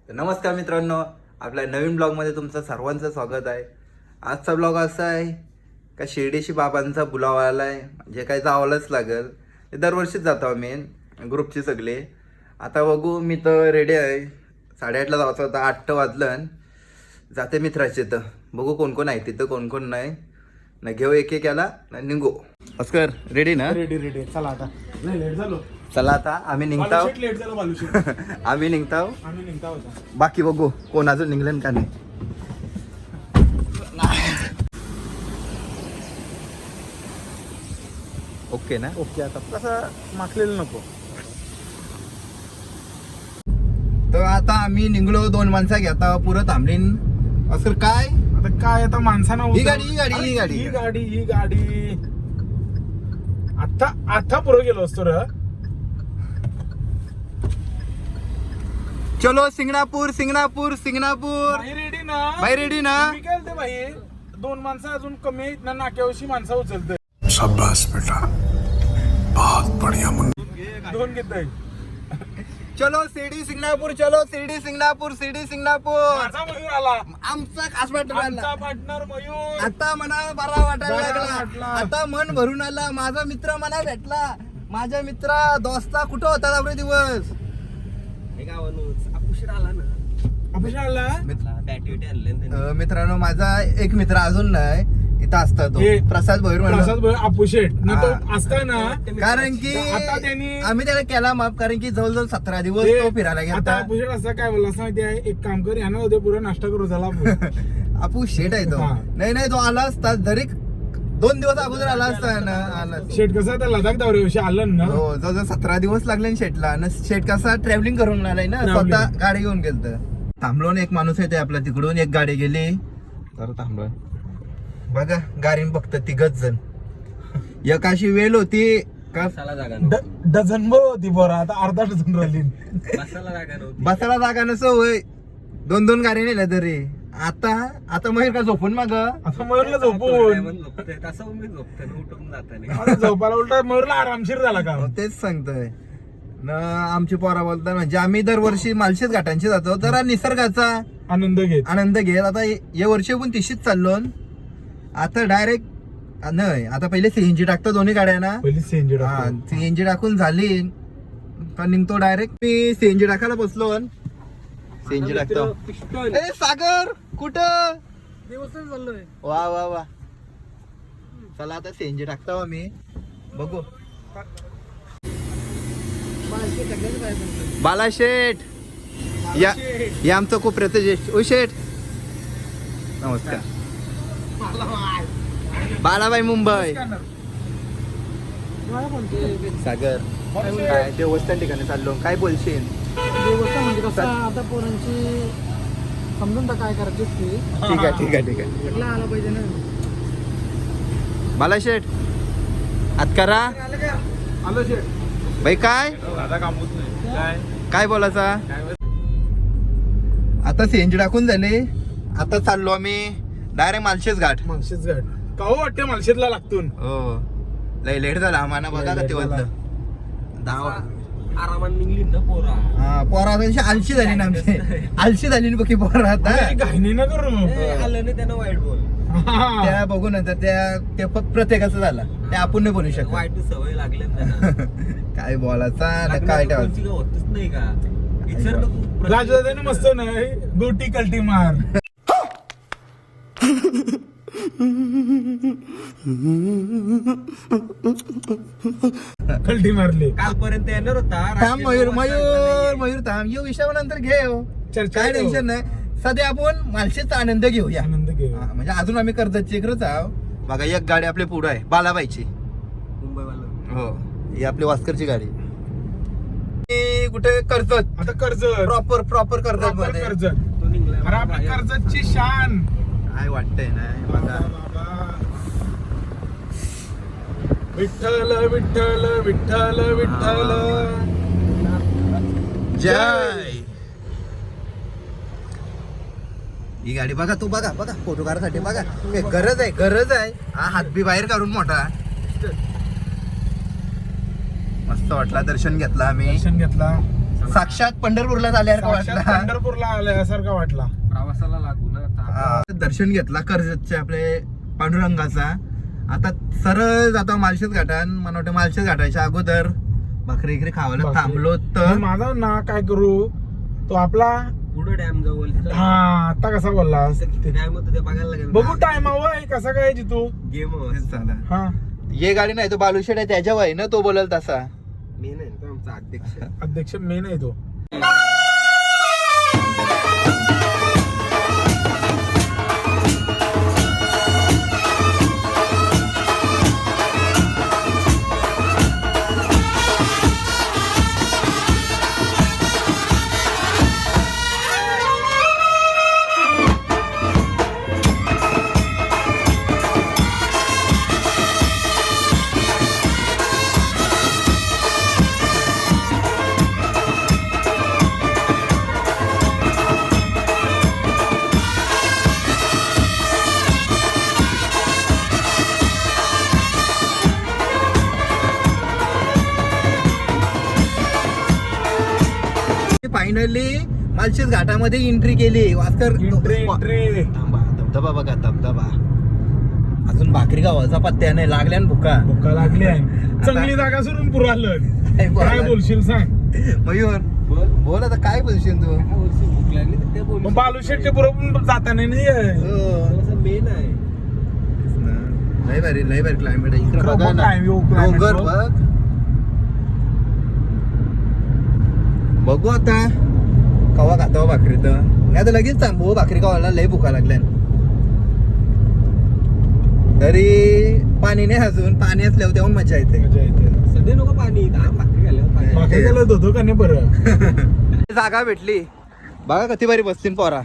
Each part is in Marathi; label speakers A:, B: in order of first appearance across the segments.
A: नमस्कार मित्रांनो, आपल्या नवीन ब्लॉगमध्ये तुमचं सर्वांचं स्वागत आहे. आजचा ब्लॉग असा आहे का शिर्डीशी बाबांचा बुलावा आला आहे, म्हणजे काय जावंच लागेल. ते दरवर्षीच जातो आम्ही ग्रुपची सगळे. आता बघू, मी तर रेडी आहे. 8:30ला जायचं होतं, 8 वाजलं. जाते मित्राचे तर बघू कोण कोण आहे तिथं, कोण कोण नाही ना. घेऊ एक एक याला ना निघू. अस्कर रेडी ना?
B: रेडी चला आता. नाही लेट झालो.
A: चला आता आम्ही निघताव.
B: लेट झालो बालूशेट.
A: आम्ही निघताव.
B: आम्ही निघता होता.
A: बाकी बघू कोण अजून निघलं का नाही. ओके ना?
B: ओके, आता कसं माखलेलं नको.
A: तर आता आम्ही निघलो. 2 माणसं घेता पुरं थांबलीन. असं काय
B: आता काय, आता माणसानं
A: ही गाडी
B: आता पुढे गेलो असतो रे.
A: चलो सिंगणापूर सिंगणापूर सिंगणापूर.
B: भाई रेडी ना?
A: भाई रेडी ना?
B: मी केलते भाई. 2 माणसं अजून कमी आहेत ना, नाक्यावरची माणसं उचलते.
C: शाबाश बेटा, बहुत बढ़िया मुन्ना.
B: 2 घेत.
A: चलो शिर्डी सिंगणापूर, चलो शिर्डी सिंगणापूर, शिर्डी सिंगणापूर.
B: माझा मयूर आला,
A: आमचा खास वाटला.
B: आमचा पार्टनर मयूर.
A: आता मना बरा वाटायला
B: बरा
A: लागला.
B: वाटला.
A: आता मन भरून आला. माझा मित्र मला भेटला. माझ्या मित्रा दोस्ता कुठं होता एवढे दिवस?
B: ऑफिसला आला.
A: मित्रांनो, माझा एक मित्र अजून नाही इथं असता, तो
B: हे,
A: प्रसाद भैर
B: प्रसाद भाई अपुशेट ना, तो
A: हा.
B: असता ना.
A: कारण की
B: आता त्यांनी
A: आम्ही त्याला केला माफ, कारण की जवळजवळ 17 दिवस तो फिरायला
B: आता
A: गेला.
B: अपुशेट असं काय बोलला असं माहिती आहे, एक काम कर, यानं उद्या पुरा नाश्ता करू झाला.
A: आपू शेट आहे तो.
B: हा.
A: नाही तो आला असता जरी 2 दिवस अगोदर आला असता ना. आला
B: शेट कसा आता लडाख दौऱ्याविषयी आलं ना.
A: हो, जवळजवळ 17 दिवस लागले ना शेटला. आणि शेट कसा ट्रॅव्हलिंग करून आलाय ना,
B: Travelling.
A: स्वतः गाडी घेऊन गेलत. थांबलो ना, एक माणूस येते आपल्या तिकडून, एक गाडी गेली तर थांबलो. बघा गाडीन फक्त 3 जण. एक अशी वेळ होती का
B: डझन भर होती बरं, आता अर्धा डझन राहिली.
A: बसायला जागा नसो होय. 2 गाड्या नेल्या तरी. आता मग का झोपून माग
B: आता मयूरला झोपून आता झोपायला उलटा मयूरला आरामशीर झाला का.
A: तेच सांगतोय न. आमची पोरा बोलतात, म्हणजे आम्ही दरवर्षी मालशेज घाटांची जातो, जरा निसर्गाचा
B: आनंद घेत.
A: आनंद घेत. आता या वर्षी पण तिशीच चाललो. आता डायरेक्ट नाही, आता पहिले सीएनजी टाकतो दोन्ही गाड्यांना.
B: पहिली सीएनजी
A: हा, सीएनजी टाकून झाली तर निघतो डायरेक्ट. मी सीएनजी टाकायला बसलो. सीएनजी टाकतो. ए सागर कुठं? वा वा वा. चला आता सीएनजी टाकतो आम्ही, बघू. बालाशेठ या आमचं खूप ज्येष्ठ. ओ शेठ नमस्कार. बालाबाई मुंबई. सागर काय देवस्थान ठिकाणी चाललो, काय बोलशील?
D: देवस्थान म्हणजे कसं आता पोरांची समजून तर काय करायची ती.
A: ठीक आहे
D: कुठला आला पाहिजे ना.
A: बालाशेठ आत करा.
B: आलो शेट.
A: बाई काय काय बोलायचा? आता सीएनजी टाकून झाले. आता चाललो आम्ही डायरेक्ट मालशेज घाट.
B: मालशेज घाट का हो वाटते, मालशेजला लागतून.
A: हो, लय लेट झाला आम्हाला. बघा का ते वाजलं 10.
E: आरामात निघली ना पोरा.
A: हा, पोरा आलशी झाली ना आमची. आलशी झाली ना बघी पोरा आता.
B: घाईने ना करू.
E: आलं ना त्यानं वाईट बोल.
A: त्या बघू नंतर ते फक्त प्रत्येकाचं झालं, ते आपण नाही बोलू शकत.
E: वाईट सवय लागली ना त्यांना.
A: काय बोलायचा ना काय ठेवायचं.
E: कोणची काय होतच नाही का. विचार नको.
B: राजदादाने मस्त नाही गोटी कल्टी मार. कल्टी मारली.
E: कालपर्यंत येणार होता.
A: थांब मयूर थांब. येऊ विषयावर नंतर घे.
B: चर्चा
A: काय
B: करू.
A: टेन्शन नाही. सध्या आपण मालशेचा आनंद घेऊया.
B: आनंद घे.
A: हा, म्हणजे अजून आम्ही कर्जतची इकडंच आहो. बघा एक गाडी आपल्या पुढं आहे, बालाबाईची.
E: मुंबईवाला.
A: हो, ही आपली वास्करची गाडी. ही कुठे कर्जत,
B: आता कर्ज
A: प्रॉपर कर्जत मध्ये.
B: कर्ज.
E: तो निघला.
B: अरे आपल्या कर्जतची शान.
A: काय वाटतंय ना बघा.
B: विठ्ठल विठ्ठल विठ्ठल विठ्ठल
A: जय. ही गाडी बघा, तू बघा फोटो काढायसाठी बघा. गरज आहे. हा हात बी बाहेर काढून मोठा. मस्त वाटला. दर्शन घेतला आम्ही.
B: दर्शन घेतला.
A: साक्षात पंढरपूरला आल्यासारखं
B: साक्षात
A: वाटलं.
B: पंढरपूरला आल्यासारखा वाटला.
E: प्रवासाला लागू ना आता.
A: हा. दर्शन घेतला कर्जतचे आपले पांडुरंगाचा. आता सरळ जातो माळशेज घाटान. मला वाटतं माळशेज घाटाच्या अगोदर भाकरी इकडे खावायला थांबलो तर
B: माझा ना काय करू तो आपला
E: पुढं डॅम जवळ
B: हा आता कसा बोललास
E: डॅम होतं ते बघायला लागेल.
B: बघू टाइम हवा कसा काय जितू.
E: गेम
A: झाला.
B: हा
A: ये गाडी नाही तो बालुशेड आहे त्याच्या वय ना तो बोलल तसा.
E: मी नाही तो आमचा अध्यक्ष.
B: अध्यक्ष मेन आहे तो.
A: फायनली मालशेज घाटामध्ये एंट्री केली. वास्कर
B: एंट्री
A: थांबा, धबधबा बघा धबधबा. अजून भाकरी गावाचा पत्त्या नाही लागल्या ना भुका.
B: भुका लागली आहे. चांगली जागा सोडून पुरालं. काय बोलशील सांग.
A: मयूर बोल आता काय बोलशील तू.
E: भूक लागली तर ते बोल.
B: मग बालुशेटच्या बरोबर जाताना नाही आहे.
E: मेन आहे.
A: लय भारी क्लायमेट आहे इकडे.
B: इकडं
A: बघा
B: बघ
A: ना.
B: काय view, climate
A: डोंगर
B: बघ.
A: बघ. बघू आता कवा खातो भाकरी तर नाही आता लगेच थांबू. भाकरी खावायला लय भुका लागल्या. तरी पाणी नाही अजून. पाणी असल्यावर तेव्हा मजा येते.
B: मजा येते.
E: सध्या नको पाणी भाकरी घाल्यावर पाणी.
B: बाकी गेलं धुतो का नाही बरं.
A: जागा भेटली बघा किती भारी बसतील पोरा.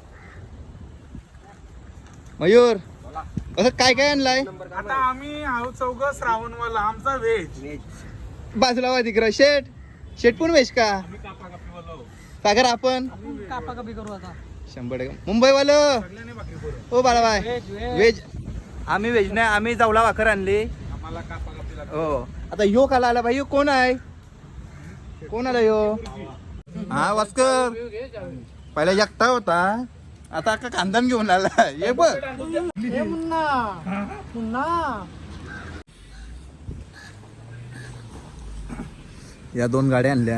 A: मयूर असं काय काय आणलाय.
B: आता आम्ही आहोत चौघ श्रावणवाला. आमचा व्हेज.
A: बाजूला वा तिकडं शेट पण वेश का सागर आपण
D: कापा कापी करू आता.
A: 100% मुंबईवालं. हो बाळाबाई व्हेज. आम्ही व्हेज नाही आम्ही जावला भाकर आणली.
B: आम्हाला कापा कापीला.
A: हो आता यो काला आला भाई. यो कोण आहे. कोण आला यो. हा वास्कर पहिला एकटा होता आता का कांदन घेऊन आला. ये बघ
D: हे मुन्ना मुन्ना
A: या 2 गाड्या आणल्या.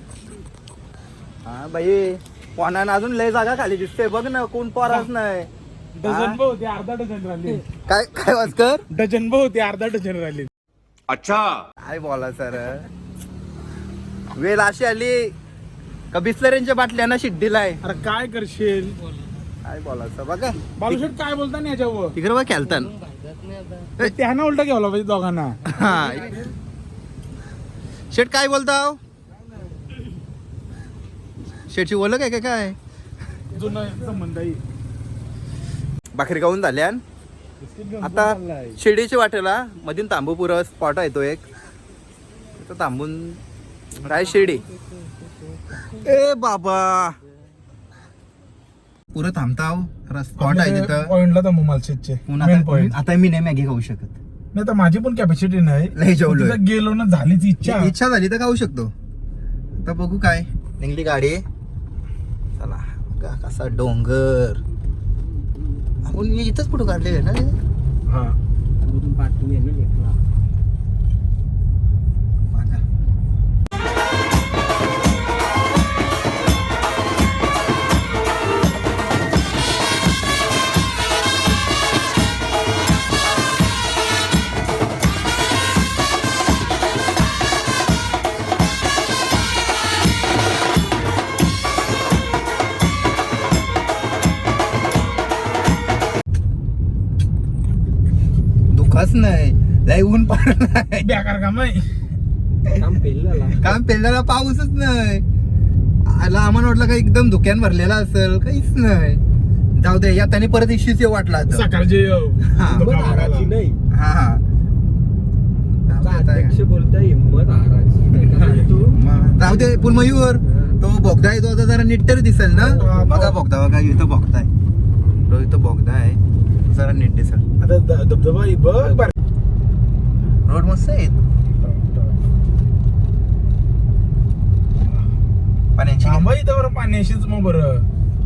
A: हा बाई कोणानं अजून लय जागा खाली दिसते बघ ना. कोण पोराच नाही.
B: डझन भाऊ होते. अर्धा डझन राहिले.
A: काय काय वास्कर
B: डझन भाऊ होते. अर्धा डझन राहिले.
A: काय बोला सर. वेळ अशी आली का बिस्लरींच्या बाटल्याना शिड्डीला आहे.
B: अरे काय करशील.
A: काय बोलायचं बघा.
B: बालुशेट काय बोलता ना याच्यावर.
A: तिकडे बघ खेळतान.
B: त्यानं उलटा घ्यावला पाहिजे दोघांना.
A: हा शेट काय बोलताव. शेटची ओळख आहे काय.
B: जुना संबंध आहे.
A: भाकरी खाऊन झाल्या. आता शिर्डीच्या वाटेला मधून तांबूपुरा स्पॉट आहे तो एक. तिथं थांबून राय शिर्डी. ए बाबा पुरं थांबताव. स्पॉट आहे तिथं.
B: पॉइंटला तर मालशेजचे मेन
A: आता
B: पॉइंट.
A: आता मी नाही मॅगी खाऊ शकत.
B: नाही तर माझी पण कॅपॅसिटी नाही.
A: लय जेवलोय.
B: तिथं गेलो ना झालीच इच्छा.
A: इच्छा झाली तर खाऊ शकतो. आता बघू काय निघली गाडी. चला बघा कसा डोंगर. आपण इथंच फोटो काढले ना.
B: हा
E: पाठी आहे ना घेतला.
A: बघा. दुखाच नाही लय ऊन पडलाय.
B: बेकार काम आहे.
E: काम पेलला.
A: काम पेरण्याला पाऊसच नाही. आला आम्हाला वाटलं का एकदम धुक्यान भरलेला असेल. काहीच नाही. जाऊ दे या त्याने परत इश्यूच वाटला आता.
B: सकाळचे
A: हा.
E: हाराची नाही.
A: हा हा
E: अध्यक्ष बोलताय हिंमत हाराची. तू
A: जाऊ दे. पण मयूर तो बोगदा आहे तो आता जरा नीट तरी दिसेल ना. बघा बोगदा बघा इथं बोगदा आहे. तो इथं बोगदा आहे जरा नीट दिसेल.
B: आता धबधबा बघ बर.
A: रोड मस्त आहे. पाण्याची
B: थांबा इथं बरं पाण्याशीच मग बरं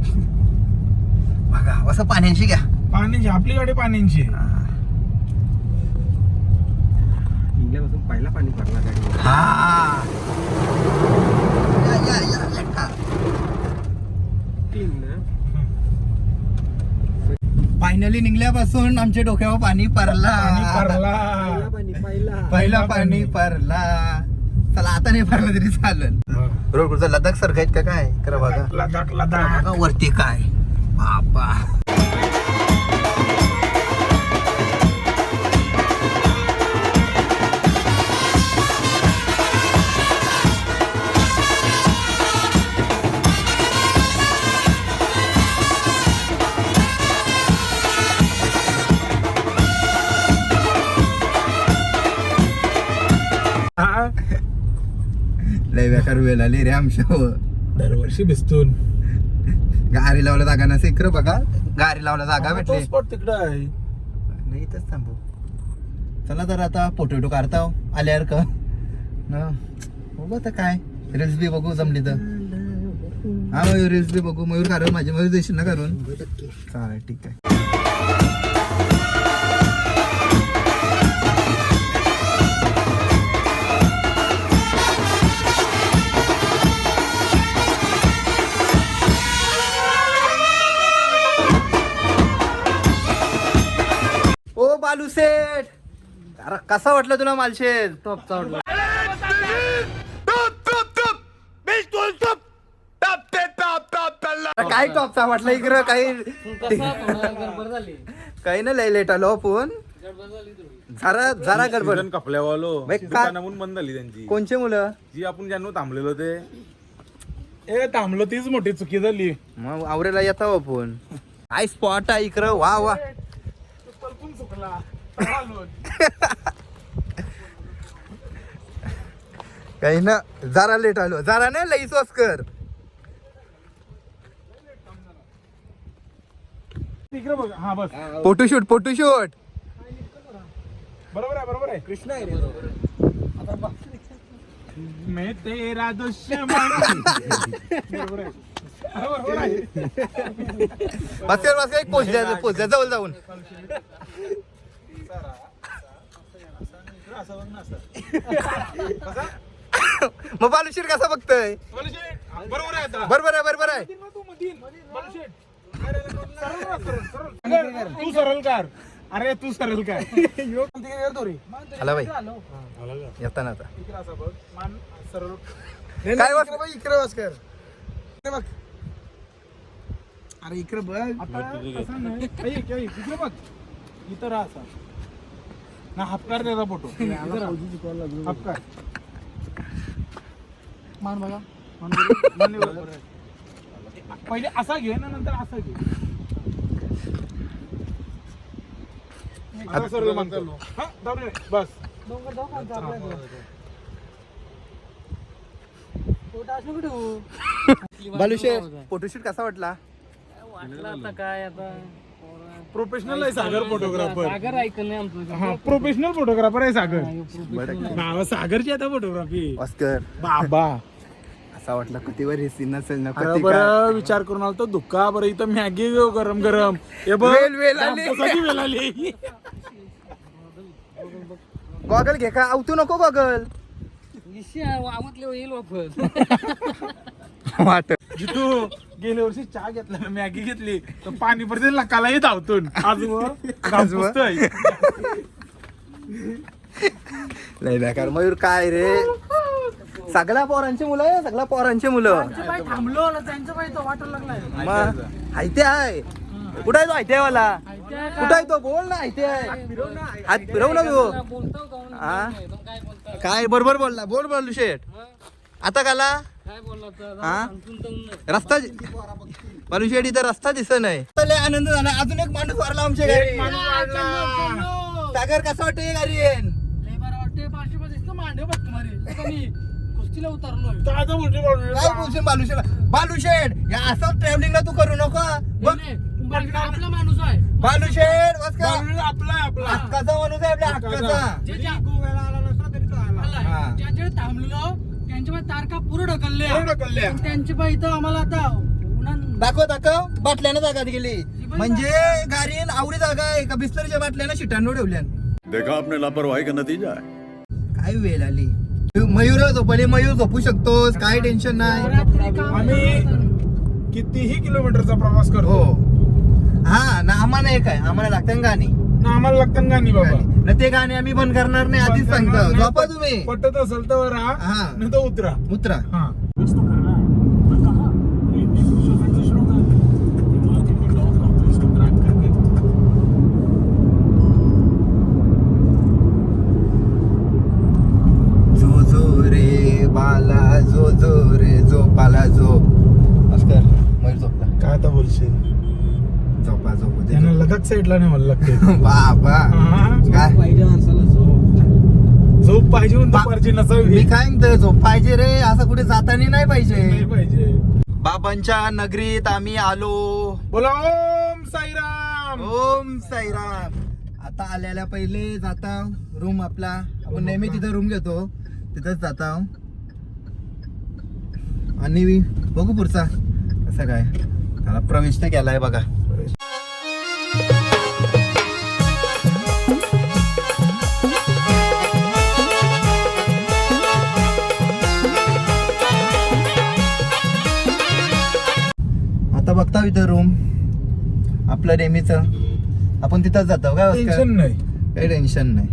A: बघा असं पाण्याची घ्या.
B: पाण्याची आपली गाडी पाण्याची
E: निघल्यापासून पहिला पाणी भरला गाडी.
A: हा या.
E: क्लीन ना.
A: फायनली निघल्यापासून आमच्या डोक्यावर पाणी पडला. पहिला पाणी पडला. चला आता नाही पडला तरी चालेल. रोड कुठचा लडाख सारखा आहेत का काय करा बघा.
B: लडाख
A: बघा वरती काय बापा. लय बेकार वेळ आली रे आमच्या.
B: दरवर्षी भिजतून
A: गाडी लावला जागा नसे इकडं बघा. गाडी लावला जागा भेटली
B: स्पॉट तिकडं आहे.
A: नाही इथंच थांबू. चला तर आता फोटो काढता आल्यावर का ना बघू आता काय रील्स बी बघू जमली तर. हा मयूर रील्स बी बघू. मयूर काढून माझी मयूर देशील ना करून. चालेल ठीक आहे. ओ बालू सेठ अरे कसा वाटलं तुला मालशेत?
D: टॉपचा वाटला.
A: काय टॉपचा वाटलं इकडं काही
D: कसा गडबड झाली.
A: काही ना लय लेट आलो आपण. जरा गडबड.
B: सीझन कपल्यावालो
A: बाई, का-
B: दुकानाहून बंद झाली त्यांची.
A: कोणचे मुलं
B: जी आपण ज्यांना थांबलेलो ते थांबलो तीच मोठी चुकी झाली.
A: मग आवरेला येता आपण. काय स्पॉट आहे इकडं. वा वा. काही ना जरा लेट आलो. जरा नाही लई कर.
B: तिकडे बघ. हा बस
A: फोटोशूट
B: बरोबर आहे कृष्णा आहे रे. मैं तेरा दुश्मन. बरोबर आहे.
A: बस एक पोचल्या जवळ जाऊन. मग बालुशीर कसा बघतोय?
B: बरोबर आहे आता.
A: बरोबर आहे.
B: तू सरळ कर. अरे तू सरळ कर.
A: हला बाई येताना आता
B: सरळ
A: काय वाट
B: इकडे वाच कर.
A: अरे इकडे बघ.
B: इकडे बघ. इथं राहा असा ना. हापकार त्याचा फोटो. हापकार
D: मान बघा.
B: पहिले असा घे ना नंतर असा घे. आता सरळ मान कर. हा, जाऊ दे. बस
D: डोंगर जाऊ खालचा आपल्या. फोटो असं कुठे हो?
A: बालुशेर फोटोशूट कसा वाटला?
D: वाटलं आता काय आता
B: प्रोफेशनल आहे सागर फोटोग्राफर.
D: सागर ऐकलं नाही आमचं.
B: हा प्रोफेशनल फोटोग्राफर आहे सागर.
A: बरं
B: नाव सागरची आता फोटोग्राफी.
A: ऑस्कर
B: बाबा
A: असा वाटला किती वर सीन नसेल ना.
B: अरे
A: कधी
B: बरं विचार करून आलो दुःखा. बरं इथं मॅगी गरम हे बघ.
A: वेल आली.
B: कशाची वेल आली.
A: गॉगल घे का? आवतू नको गॉगल.
D: वामतले येईल वापर.
A: वाट
B: जितू गेल्या वर्षी चहा घेतला ना, मॅगी घेतली तर पाणी पडते लकालाही धावतून. आज
A: लय बेकार. मयूर काय रे सगळ्या पोरांची मुलं आहे. सगळ्या पोरांची मुलं.
D: थांबलो ना त्यांचं पाहिजे तो वाटायला लागलाय.
A: मग हायते आहे. कुठं आहे तो हायते वाला? कुठं आहे तो? बोल ना. हायते आहे. हात फिरव ना तू.
D: बोलतो का
A: हा?
D: काय बोलता
A: काय बरोबर बोलला. बोल शेठ. आता काला
D: काय बोलला तर
A: हा?
D: सांगतो
A: रस्ता बालुशेठ इथं रस्ता दिसत नाही. लय आनंद झाला. अजून एक माणूस वारला आमच्या घरी. सागर कसं वाटतं गाडी?
D: लय बरं वाटते. पाचशे दिसतो मांडे बघ तुम्हाला. मी कुस्तीला उतरलोय.
A: काय बोलशील बालुशेठ या असं ट्रॅव्हलिंगला तू करू नको. बघ
D: आपला माणूस आहे.
A: बालुशेठ बस का
B: आपला
A: हक्काचा माणूस आहे. आपल्या हक्काचा.
D: ज्याच्याकडे थांबलेलो त्यांच्या पाय तारका पुढे ढकलल्या
B: पूर्ण ढकलल्या.
D: आणि त्यांच्या पाय इथं आम्हाला आता उन्हान
A: दाखव बाटल्यानं जागा गेली म्हणजे गाडीन आवडी जागा आहे का बिस्तरीच्या बाटल्यानं शिटांनो ठेवल्या
C: देखा आपने लापरवाही का नतीजा है
A: काय वेळ आली मयूर झोपले मयूर झोपू शकतोस काय टेन्शन नाही
D: रात्री काम
B: आम्ही
D: करताना.
B: कितीही किलोमीटरचा प्रवास
A: हो
B: करतो
A: हा ना आम्हाला एक आहे आम्हाला लागतं गाणी
B: ना आम्हाला लागतं गाणी बाबा
A: ना ते गाणे आम्ही बंद करणार नाही आधीच सांगतो झोपा तुम्ही
B: पटत असेल तर राहा
A: हा.
B: नाही तर उतरा
A: उतरा
B: हा
A: जो जो रे बाला जो रे झोपाला झोप अस्कर मयूर झोपला
B: काय आता बोलशील
A: झोपा झोपू दे
B: त्यांना लदाख साईडला नाही मला लागते
A: बाबा
B: हा.
A: काय
E: पाहिजे माणसाला
B: झोप पाहिजे म्हणून
A: बा-
B: दुपारची नसावी
A: मी काय म्हणतो झोप पाहिजे रे असं कुठे जाताना नाही पाहिजे
B: नाही पाहिजे
A: बाबांच्या नगरीत आम्ही आलो
B: बोला ओम साईराम
A: ओम साईराम आता आल्याला पहिले जाता रूम आपला आपण नेहमी तिथं रूम घेतो तिथंच जाता आणि बघू पुढचा कसं काय त्याला प्रवेश तर केलाय बघा आता बघता इथं रूम आपलं नेहमीच आपण तिथंच जातो काय भास्कर?
B: टेन्शन नाही
A: काही टेन्शन नाही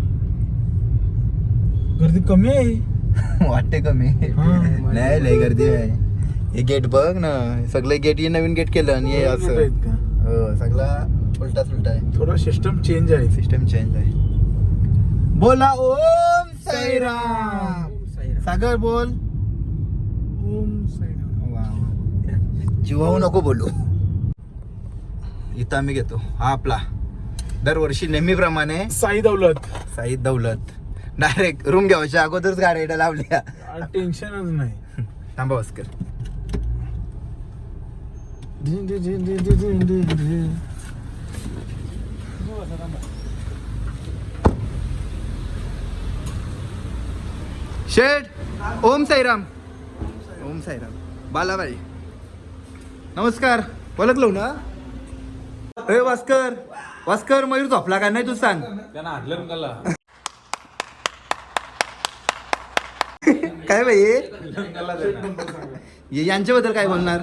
B: गर्दी कमी आहे
A: वाटते कमी
B: हा.
A: नाही लय गर्दी आहे हे गेट बघ ना सगळे गेट हे नवीन गेट केलं आणि हे
B: मोठं
A: असं
B: आहेत का?
A: हो सगळा उलटा सुलटा आहे
B: थोडा सिस्टम चेंज आहे
A: सिस्टम चेंज आहे बोला ओम साईराम सागर बोल
B: ओम साईराम
A: वा, वा. जीवाऊ नको बोलू इथं आम्ही घेतो हा आपला दरवर्षी नेहमीप्रमाणे
B: साई दौलत
A: साईद दौलत डायरेक्ट रूम घ्यायच्या अगोदरच गाड्या लावल्या
B: टेन्शनच नाही
A: थांबा भास्कर शेठ ओम साईराम ओम साईराम बालाबाई नमस्कार ओळखलो ना अरे भास्कर भास्कर मयूर झोपला का नाही तू सांग काय बाई यांच्याबद्दल काय बोलणार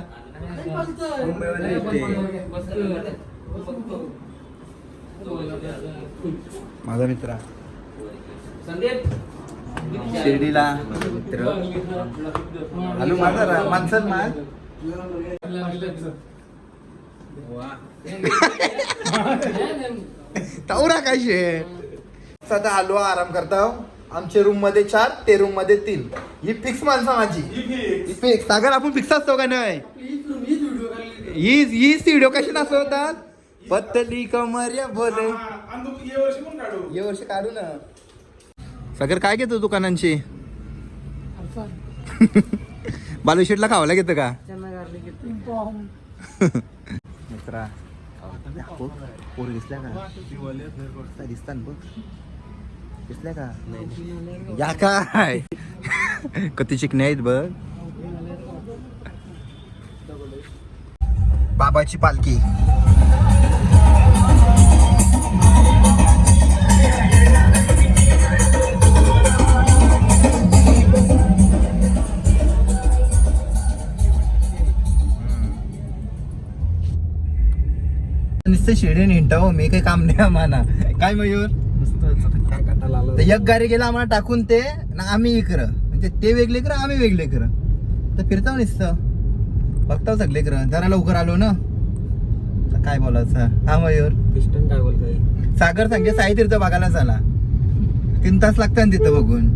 A: माझा मित्र शिर्डीला मित्र हॅलो माझा माणसं मान तावरा काय शेठ सध्या आलो आराम करता आमच्या रूम मध्ये 4 ते रूम मध्ये 3 ही फिक्स माणसं माझी ही फिक्स सागर आपण फिक्स असतो का नाही ही व्हिडिओ कशी नसवतात पत्तली कमर या बोले ये वर्ष काढू ना सागर काय घेतो दुकानांची बालुशेटला खावायला घेतं का मित्रा पोर दिसल्या का दिसतात बघ दिसल्या का या काय कधी चिकणे आहेत बघ बाबाची पालखी नुसतं शेडीने हिंटावं मी काही काम नाही आम्हाला काय मयूर तर एक गाडी गेला आम्हाला टाकून ते ना आम्ही इकडं म्हणजे ते वेगळे कर आम्ही वेगळे कर तर फिरताव नुसतं बघताव सगळे कर जरा लवकर आलो ना तर काय बोलायचं हा मयूर
E: पिस्टन काय बोलतोय
A: सागर सांगे साई तीर्थ बघायला झाला 3 तास लागतात ना तिथं बघून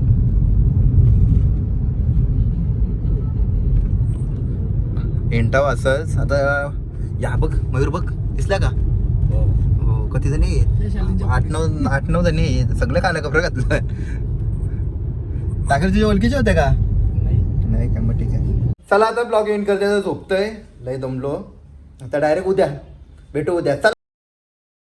A: हिंटाव असंच आता या बघ मयूर बघ दिसला का हो किती जणी आहेत 8-9 जणी आहेत सगळं काला कपडे घातलं सागर तुझ्या ओळखीचे होते का नाही का मग ठीक आहे चला आता ब्लॉग एंड करते झोपतोय लय दमलो आता डायरेक्ट उद्या भेटू उद्या चला